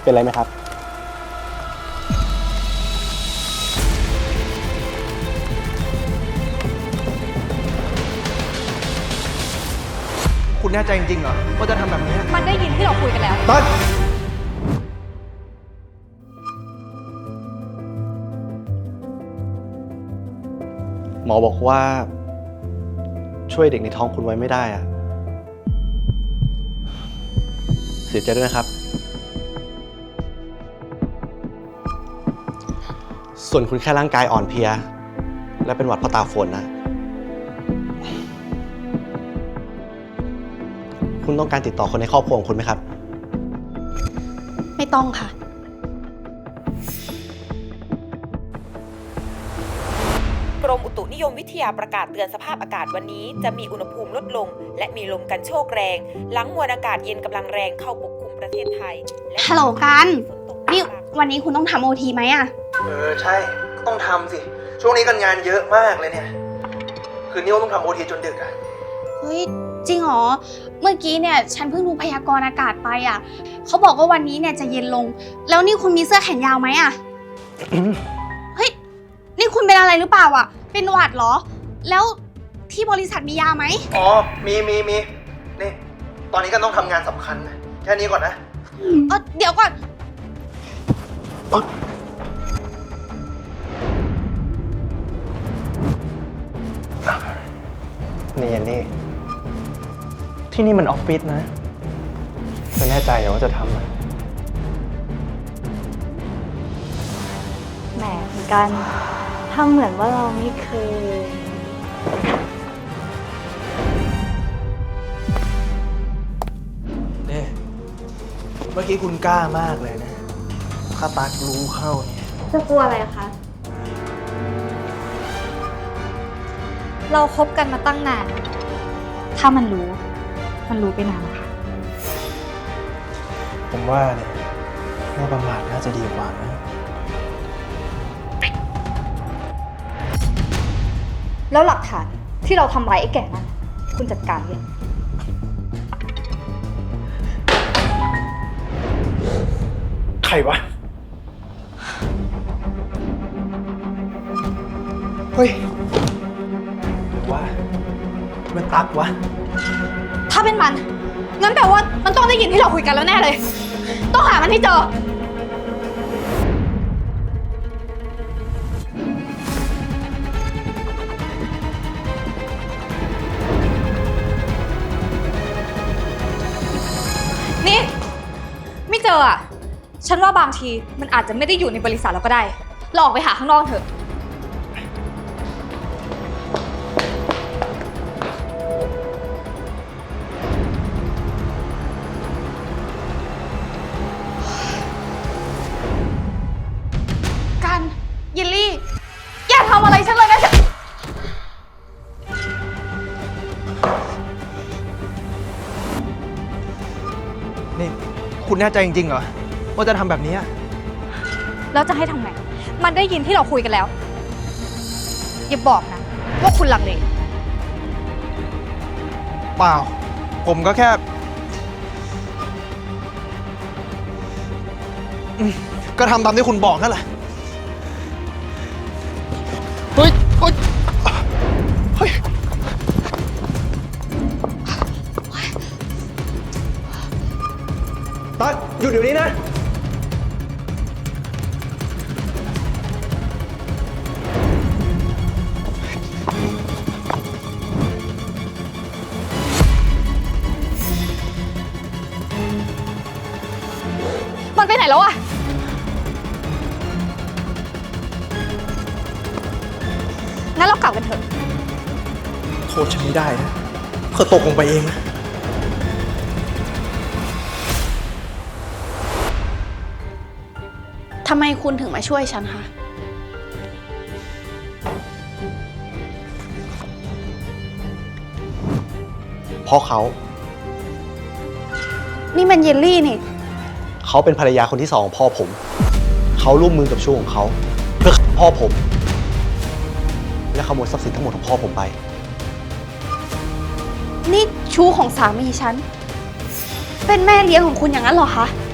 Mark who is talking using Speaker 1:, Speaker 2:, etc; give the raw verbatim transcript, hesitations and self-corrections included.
Speaker 1: เป็นไรไหมครับ
Speaker 2: คุณแน่ใจจริงๆเหรอว่าจะทำแบบนี้
Speaker 3: มันได้ยินที่เราคุยกันแล้ว
Speaker 2: ต้น
Speaker 1: หมอบอกว่าช่วยเด็กในท้องคุณไว้ไม่ได้อะเสียใจด้วยนะครับส่วนคุณแค่ร่างกายอ่อนเพลียและเป็นหวัดเพราะตาฝนนะคุณต้องการติดต่อคนในครอบครัวของคุณไหมครับ
Speaker 3: ไม่ต้องค่ะ
Speaker 4: กรมอุตุนิยมวิทยาประกาศเตือนสภาพอากาศวันนี้จะมีอุณหภูมิลดลงและมีลมกันโชกแรงหลังมวลอากาศเย็นกำลังแรงเข้าปกคลุมประเทศไทย
Speaker 3: ฮัลโหลกันนี่วันนี้คุณต้องทำโอทีไหมอะ
Speaker 2: เออใช่ก็ต้องทำสิช่วงนี้กันงานเยอะมากเลยเนี่ยคืนนี้ต้องทำโอทีจนดึกอะ
Speaker 3: เฮ้ยจริงเหรอเมื่อกี้เนี่ยฉันเพิ่งดูพยากรณ์อากาศไปอะเขาบอกว่าวันนี้เนี่ยจะเย็นลงแล้วนี่คุณมีเสื้อแขนยาวไหมอะเฮ้ยนี่คุณเป็นอะไรหรือเปล่าอะเป็นหวัดเหรอแล้วที่บริษัทมียาไหม
Speaker 2: อ๋อมีมีมีนี่ตอนนี้ก็ต้องทำงานสำคัญนะแค่นี้ก่อนนะ
Speaker 3: เออเดี๋ยวก่อน
Speaker 2: นี่ยันนี่ที่นี่มันออฟฟิศนะเธอแน่ใจเหรอว่าจะทำอ่ะ
Speaker 5: แหมเหมือนกันทำเหมือนว่าเราไม่เคย
Speaker 2: เนี่ยเมื่อกี้คุณกล้ามากเลยนะถ้าตักรู้เข้าเนี่ย
Speaker 5: จะกลัวอะไรคะเราคบกันมาตั้งนานถ้ามันรู้มันรู้ไปนานแล้วค่ะ
Speaker 2: ผมว่าเนี่ยไม่ประมาทน่าจะดีกว่านะ
Speaker 5: แล้วหลักฐานที่เราทำร้ายไอ้แก่นั้นคุณจัดการยัง
Speaker 2: ใครวะเฮ้ยหรือว่ามันตักวะ
Speaker 3: ถ้าเป็นมันงั้นแปลว่ามันต้องได้ยินที่เราคุยกันแล้วแน่เลยต้องหามันให้เจอนี่ไม่เจออ่ะฉันว่าบางทีมันอาจจะไม่ได้อยู่ในบริษัทเราก็ได้เราออกไปหาข้างนอกเถอะกันยิลลี่อย่าทำอะไรฉันเลยนะ
Speaker 2: นี่คุณแน่ใจจริงๆเหรอว่าจะทำแบบนี้
Speaker 3: แล้วจะให้ทำไงมันได้ยินที่เราคุยกันแล้วอย่าบอกนะว่าคุณลังเล
Speaker 2: เปล่าผมก็แค่ก็ทำตามที่คุณบอกนั่นแหละเฮ้ยเฮ้ยเฮ้ยตั๊กหยุดเดี๋ยวนี้นะ
Speaker 3: มันไปไหนแล้วอะงั้นเรากลับกันเถอะ
Speaker 2: โทษฉันไม่ได้นะเธอตกลงไปเองนะ
Speaker 3: ทำไมคุณถึงมาช่วยฉันคะ
Speaker 1: เพราะเขา
Speaker 3: นี่มันเยลลี่นี่
Speaker 1: เขาเป็นภรรยาคนที่สองของพ่อผมเขาร่วมมือกับชู้ของเขาเพื่อพ่อผมและขโมยทรัพย์สินทั้งหมดของพ่อผมไป
Speaker 3: นี่ชู้ของสามีฉันเป็นแม่เลี้ยงของคุณอย่างนั้นเหรอคะ